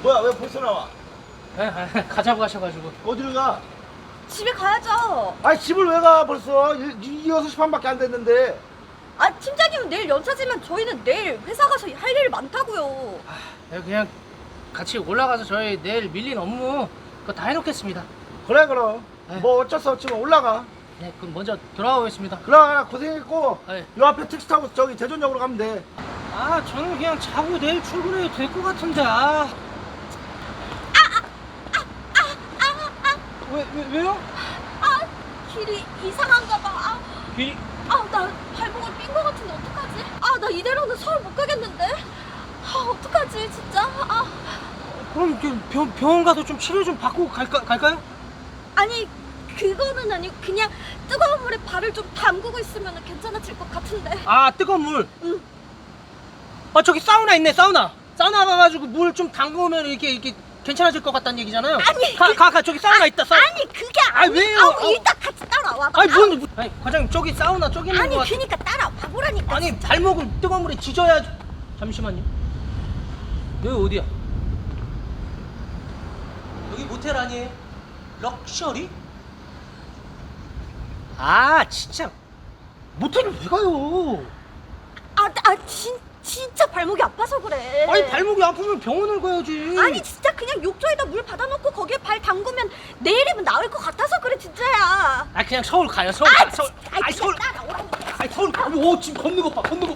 뭐야 왜 벌써 나와? 가자고 하셔가지고. 어디를 가? 집에 가야죠. 아니 집을 왜 가 벌써? 6시 반밖에 안 됐는데. 아, 팀장님은 내일 연차지만 저희는 내일 회사 가서 할 일 많다고요. 그냥 같이 올라가서 저희 내일 밀린 업무 그거 다 해놓겠습니다. 그래 그럼. 네. 뭐 어쩔 수 없지만 올라가. 네, 그럼 먼저 돌아가 보겠습니다. 그래 고생했고. 네. 요 앞에 택시 타고 저기 대전역으로 가면 돼. 저는 그냥 자고 내일 출근해도 될 것 같은데. 왜요? 아, 길이 이상한가 봐. 길 나 발목을 삔 거 같은데 어떡하지? 나 이대로는 서울 못 가겠는데. 어떡하지, 진짜. 그럼 병원 가서 좀 치료 좀 받고 갈까요? 아니, 그거는 아니고 그냥 뜨거운 물에 발을 좀 담그고 있으면 괜찮아질 것 같은데. 뜨거운 물. 응. 저기 사우나 있네, 사우나 가가지고 물 좀 담그면 이렇게 괜찮아질 것 같다는 얘기잖아요. 아니, 가 저기 사우나 있다. 사우나. 아니, 그게 아니. 왜요? 일단 같이 따라와. 과장님 저기 사우나 저기 있는 아니, 거 같아. 그니까 따라와 보라니까. 아니 발목은 뜨거운 물에 지져야지. 잠시만요. 여기 어디야? 여기 모텔 아니에요? 럭셔리? 진짜 모텔을 왜 가요? 진짜 발목이 아파서 그래. 아니 발목이 아프면 병원을 가야지. 아니, 진짜 그냥 욕조에다 물 받아놓고 거기에 발 담그면 내일이면 나을 것 같아서 그래, 진짜야. 그냥 서울 가요. 서울 가. 서울. 아이, 서울. 따라오라니까. 서울. 오 지금 걷는 거 봐. 걷는 거.